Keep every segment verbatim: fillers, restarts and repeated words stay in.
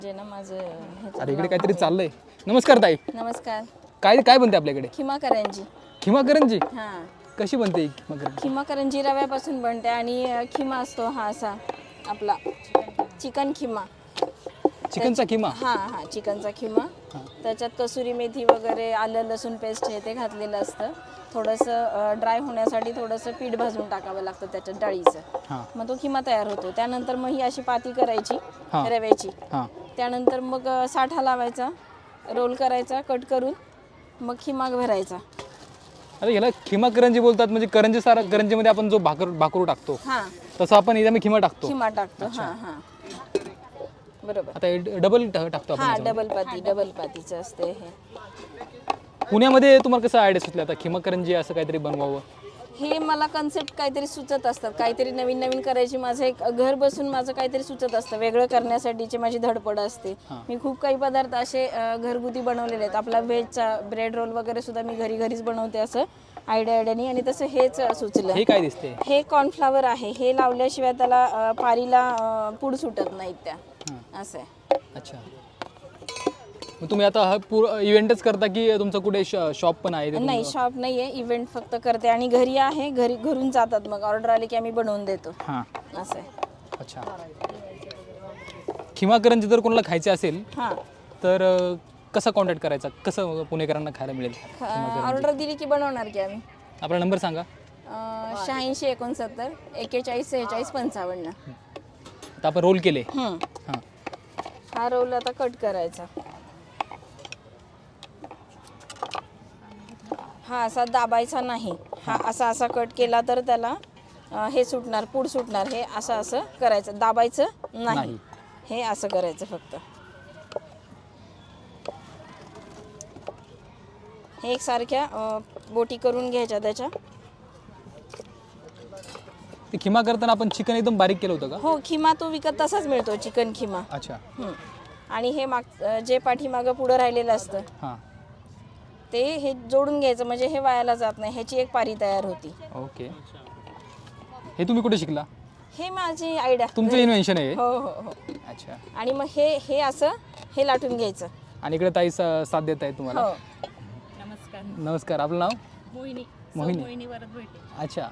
जे ना माझं ह्याचं अरे इकडे नाव काहीतरी आहे. चाललंय. नमस्कार ताई. नमस्कार. काय काय बनते आपल्याकडे? खिमा करंजी. खिमा करंजी हां. कशी बनते ही खिमा करंजी? खिमा करंजी रव्यापासून बनते आणि अ, खिमा असतो हा असा आपला चिकन खिमा. चिकनचा खिमा? हां हां चिकनचा खिमा. त्याच्यात कसुरी मेथी वगैरे आलं लसूण पेस्ट हे ते घातलेलं असतं. थोडंसं ड्राय होण्यासाठी थोडंसं पीठ भाजून टाकावं लागतं त्याच्यात डाळीचं. हां मग तो खिमा तयार होतो. त्यानंतर मग ही अशी पाती करायची हां. रव्याची. हां त्यानंतर मग अ, साठा लावायचा, रोल करायचा कट करून, मग खिमा भरायचा. अरे याला खिमा करंजी बोलतात. म्हणजे करंजी सारा करंजीमध्ये आपण जो भाकर भाकरू टाकतो हां तसं आपण याच्यामध्ये खिमा टाकतो. खिमा टाकतो. हां हां बरोबर. आता हे डबल टाकतो आपण हां याच्यामध्ये. डबल पाती डबल पातीचं असते हे. पुण्यामध्ये तुम्हाला कसं आयडिया सुचलं आता खिमा करंजी असं काहीतरी बनवावं? हे मला कन्सेप्ट काहीतरी सुचत असतात, काहीतरी नवीन नवीन करायची. माझं एक घर बसून माझं काहीतरी सुचत असतं, वेगळं करण्यासाठीची माझी धडपड असते. मी खूप काही पदार्थ असे अ, घरगुती बनवलेले आहेत. आपला व्हेजचा ब्रेड रोल वगैरे सुद्धा मी घरी घरीच बनवते असं आयडिया आयडियानी. आणि तसं हेच सुचलं. हे काय दिसते? हे कॉर्नफ्लावर आहे. हे लावल्याशिवाय त्याला अ, पारीला अ, पूड सुटत नाहीत त्या. असं आहे. अच्छा. मग तुम्ही आता हा पूर इव्हेंटच करता की तुमचं कुठे शॉप पण आहे? ते नाही तुमचं? शॉप नाही आहे, इव्हेंट फक्त करते. आणि घरी आहे, घरी घरून जातात, मग ऑर्डर आली की आम्ही बनवून देतो. हां. असं आहे. अच्छा. खिमा करंजी जर कोणाला खायचे असेल हां तर अ, कसा कॉन्टॅक्ट करायचा? कसं पुणेकरांना खायला मिळेल? ऑर्डर दिली की बनवणार की आम्ही. आपला नंबर सांगा. शहाऐंशी एकोणसत्तर एक्केचाळीस सेहेचाळीस पंचावन्न. आता आपण रोल केले. हं. हां हा रोल आता कट करायचा. हा असा दाबायचा नाही. हा असा असा कट केला तर त्याला अ, हे सुटणार, पूड सुटणार. हे असं असं करायचं, दाबायचं नाही. नाही. हे असं करायचं फक्त. हे एकसारख्या अ, बोटी करून घ्यायच्या त्याच्या. ते खिमा करताना आपण चिकन एकदम बारीक केलं होतं का? हो खिमा तो विकत तसाच मिळतो, चिकन खिमा. अच्छा. हं. आणि हे माग अ, जे पाठीमागं पुढं राहिलेलं असतं हां ते हे जोडून घ्यायचं, म्हणजे हे वायाला जात नाही. ह्याची एक पारी तयार होती. ओके. हे तुम्ही कुठे शिकला? हे माझी आयडिया. तुमचं इन्व्हेन्शन आहे हे? हो हो हो. अच्छा. आणि मग हे हे असं हे लाटून घ्यायचं. आणि इकडे ताई सा- साथ देत आहे तुम्हाला. हो. नमस्कार. नमस्कार. आपलं नाव? मोहिनी. मोहिनी. मोहिनी वरद भेटे. अच्छा.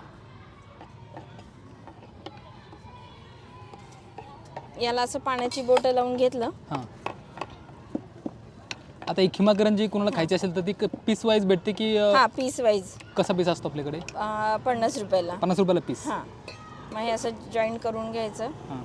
याला असं पाण्याची बोटं लावून घेतलं. हां. आता ही खिमा करंजी कोणाला खायची असेल तर ती पीस वाईज भेटते की अ, हा पीस वाईज कसा पीस असतो आपल्याकडे? पन्नास रुपयाला. पन्नास रुपयाला पीस. हां मग हे असं जॉईंट करून घ्यायचं. हां.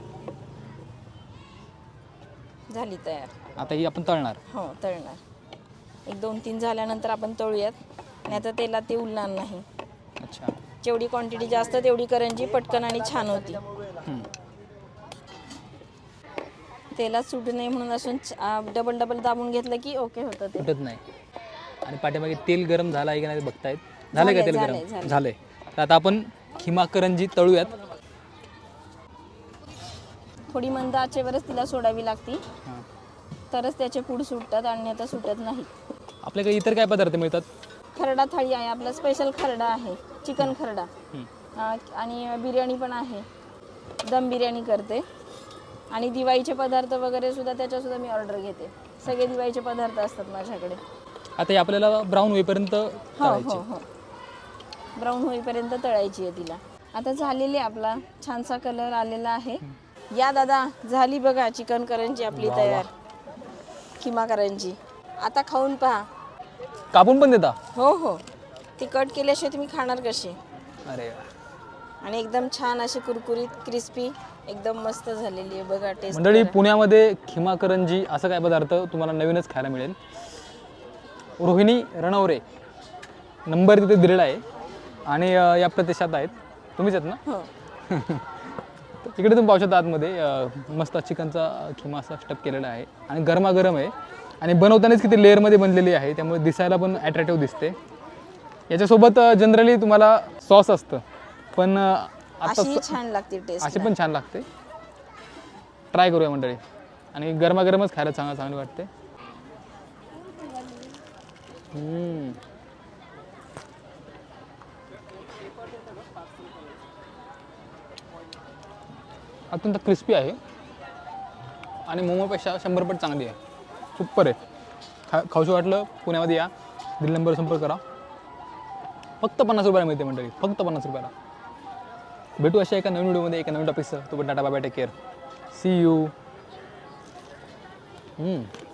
झाली तयार. आता ही आपण तळणार. हो तळणार. एक दोन तीन झाल्यानंतर आपण तळूयात, नाही तर तेलात ते उलणार नाही. अच्छा. जेवढी क्वांटिटी जास्त तेवढी करंजी पटकन आणि छान होती. हं. तेलात सुटू नये म्हणून असून डबल डबल दाबून घेतलं की ओके होतं ते. फुटत नाही. आणि पाठीमागे तेल गरम झालं आहे की नाही ते बघतायत. झालंय का झालंय, तेल झालंय, गरम? झालंय. झालंय. तर आता आपण खिमा करंजी तळूयात. थोडी मंद आचेवरच तिला सोडावी लागती, हां. तरच त्याचे पूड सुटतात आणि आता सुटत नाही. आपल्याकडे इतर काय पदार्थ मिळतात? खरडा थाळी आहे, आपला स्पेशल खरडा आहे, चिकन खरडा. हं. अं, आणि बिर्याणी पण आहे, दम बिर्याणी करते. आणि दिवाळीचे पदार्थ वगैरे सुद्धा त्याच्यासुद्धा मी ऑर्डर घेते. सगळे दिवाळीचे पदार्थ असतात माझ्याकडे. आता हे आपल्याला ब्राऊन होईपर्यंत हो तळायचे. हो हो. ब्राऊन होईपर्यंत तळायची आहे तिला. आता झालेली आपला छानसा कलर आलेला आहे. या दादा, झाली बघा चिकन करंजी आपली वा, तयार. खिमा करंजी. आता खाऊन पहा. कापून पण देता? हो हो. ती कट केल्याशिवाय तुम्ही खाणार कशी? अरे आणि एकदम छान अशी कुरकुरीत क्रिस्पी एकदम मस्त झालेली आहे बघा. टेस्ट मंडळी, पुण्यामध्ये खिमा करंजी असं काय पदार्थ तुम्हाला नवीनच खायला मिळेल. रोहिणी रणवरे नंबर तिथे दिलेला आहे आणि अ, या प्रदेशात आहेत. तुम्हीच आहेत ना? हो. इकडे तुम्ही पाहू शकता आतमध्ये अ, मस्त चिकनचा खिमा असा स्टफ केलेला आहे आणि गरमागरम आहे. आणि बनवतानाच किती लेअरमध्ये बनलेली आहे, त्यामुळे दिसायला पण ॲट्रॅक्टिव्ह दिसते. याच्यासोबत जनरली तुम्हाला सॉस असतं, पण अ, आता अशी छान लागते टेस्ट. अशी पण छान लागते. ट्राय करूया मंडळी. आणि गरमागरमच खायला चांगलं चांगली वाटते. हम्म. अत्यंत क्रिस्पी आहे. आणि मोमोपेक्षा शंभर पट चांगली आहे. सुपर आहे. खा खाऊशी वाटलं पुण्यामध्ये या, दिल्ली नंबर संपर्क करा. फक्त पन्नास रुपयाला मिळते मंडळी, फक्त पन्नास रुपयाला. भेटू अशा एका नवीन व्हिडिओमध्ये एका नवीन टॉपिकचं. तो पण tata bye bye, take care, see you.